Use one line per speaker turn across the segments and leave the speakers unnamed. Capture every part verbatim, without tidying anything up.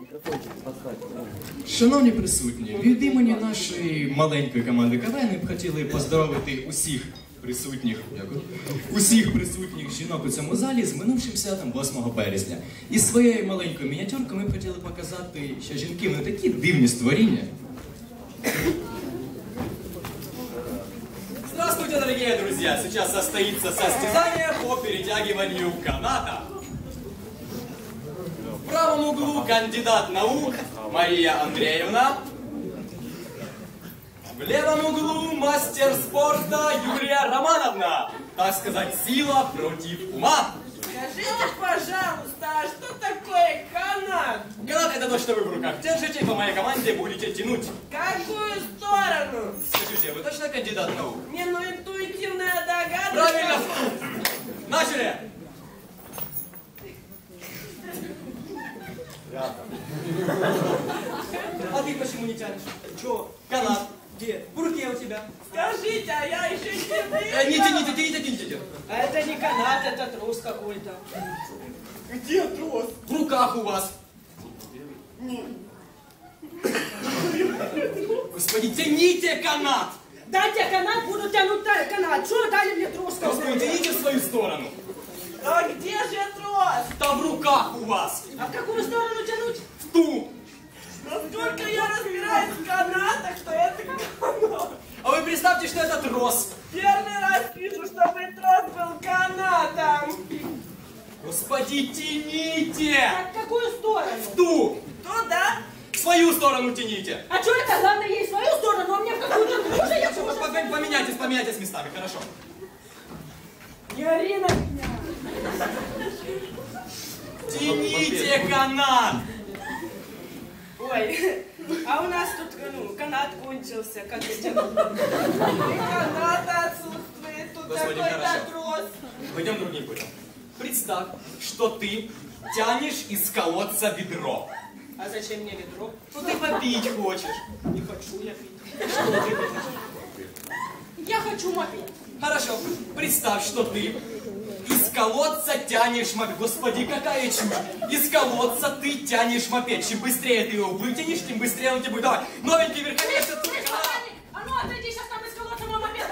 Шановні присутні, від імені нашої маленької команди КВН ми б хотіли поздоровити усіх присутніх, усіх присутніх жінок у цьому залі з минувшим святом восьмого березня. І своєю маленькою мініатюркою ми б хотіли показати, що жінки вони такі дивні створіння.
Здравствуйте, дорогие друзья! Сейчас состоится состязание по перетягиванию каната. В правом углу кандидат наук Мария Андреевна. В левом углу мастер спорта Юлия Романовна. Так сказать, сила против ума.
Скажите, пожалуйста, а что такое канат?
Канат — это то, что вы в руках держите, и по моей команде будете тянуть.
Какую сторону?
Скажите, вы точно кандидат наук?
Не, ну интуитивная догадка.
Правильно! Начали! А ты почему не тянешь? Чё? Канат. Где? В руке у тебя.
Скажите, а я еще не
Э, не тяните, тяните, тяните.
А это не канат, это трос какой-то.
Где трос? В руках у вас. Господи, тяните канат!
Дайте канат, буду тянуть канат. Что дали мне трос?
Господи, тяните в свою сторону.
А где же трос?
Там в руках у вас.
А в какую сторону тянуть?
В ту.
Насколько я разбираюсь в канатах, что это канат.
А вы представьте, что это трос.
Первый раз вижу, чтобы трос был канатом.
Господи, тяните!
А в какую сторону?
В ту.
Туда?
В свою сторону тяните.
А что это? Главное, ей свою сторону, а мне в какую-то другую, я
По- по- Поменяйтесь, поменяйтесь местами, хорошо.
Не ори на меня.
Тяните канат.
Ой, а у нас тут, ну, канат кончился, как это? И канат отсутствует, тут
Господи,
такой
хорошо.
трос.
Пойдем другим путем. Представь, что ты тянешь из колодца ведро.
А зачем мне ведро?
Ну ты попить хочешь.
Не хочу я пить. Я хочу мопед.
Хорошо. Представь, что ты из колодца тянешь мопед. Господи, какая чушь. Из колодца ты тянешь мопед. Чем быстрее ты его вытянешь, тем быстрее он тебе будет. Давай, новенький верховец.
А ну отойди, сейчас там из колодца мой мопед.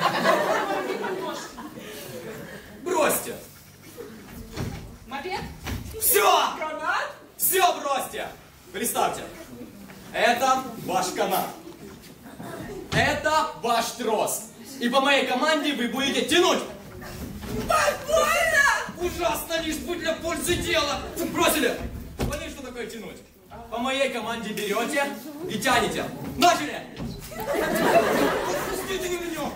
Бросьте.
Мопед?
Все!
Канат?
Все бросьте. Представьте. Это ваш канат. Это ваш трос. И по моей команде вы будете тянуть.
Больно!
Ужасно, лишь будь для пользы дела. Бросили. Поняли, что такое тянуть? По моей команде берете и тянете. Начали. Пустите меня.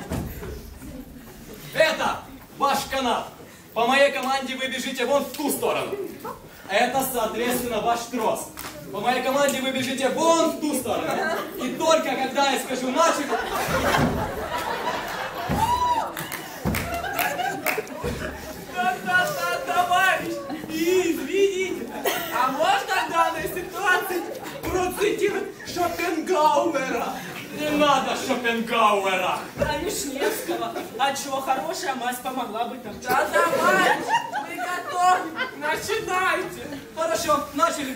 Это ваш канат. По моей команде вы бежите вон в ту сторону. Это, соответственно, ваш трос. По моей команде вы бежите вон в ту сторону. И только когда я скажу «начали»,
Да-да-да, товарищ, извините, а можно в данной ситуации процитировать Шопенгауэра?
не надо Шопенгауэра.
А Вишневского. А чё, хорошая мазь помогла бы там. Да давайте, мы готовы, начинайте.
Хорошо, начали.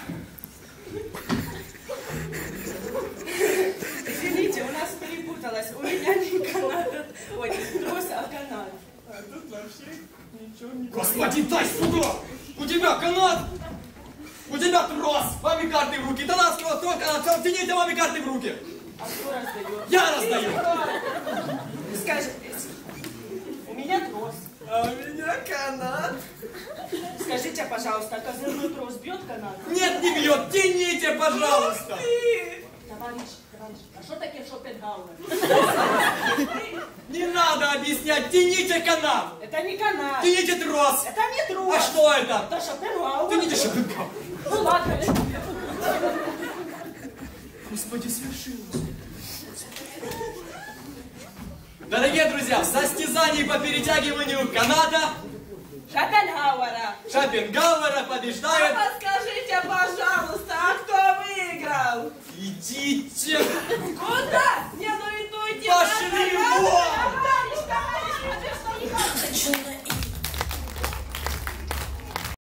Извините, у нас перепуталось. У меня не канат, ой, не трос, а канат. А тут вообще ничего не...
Господи, дай сюда! У тебя канат! У тебя трос! Маме карты в руки! Да нас трос, трос, канат! Все, тяните маме карты в руки!
А кто раздает?
Я раздаю!
Скажи, у меня трос. А у меня канат. Скажите, пожалуйста, козырной трос бьет канат?
Нет, не бьет! Тяните, пожалуйста!
Товарищ, товарищ, а что такое Шопенгауэр?
Не надо объяснять! Тяните канат!
Это не канат.
Тяните трос!
Это не трос.
А что это?
Это Шопенгауэр.
Тяните Шопенгауэр!
Ну ладно.
Господи, свершилось! Дорогие друзья, в состязании по перетягиванию каната
Шопенгауэра.
Шопенгауэра побеждает...
А подскажите, пожалуйста, а кто выиграл?
Идите!
Куда? Не, ну интуитивно.
Пошли вон!
Товарищ, товарищ, вы что, не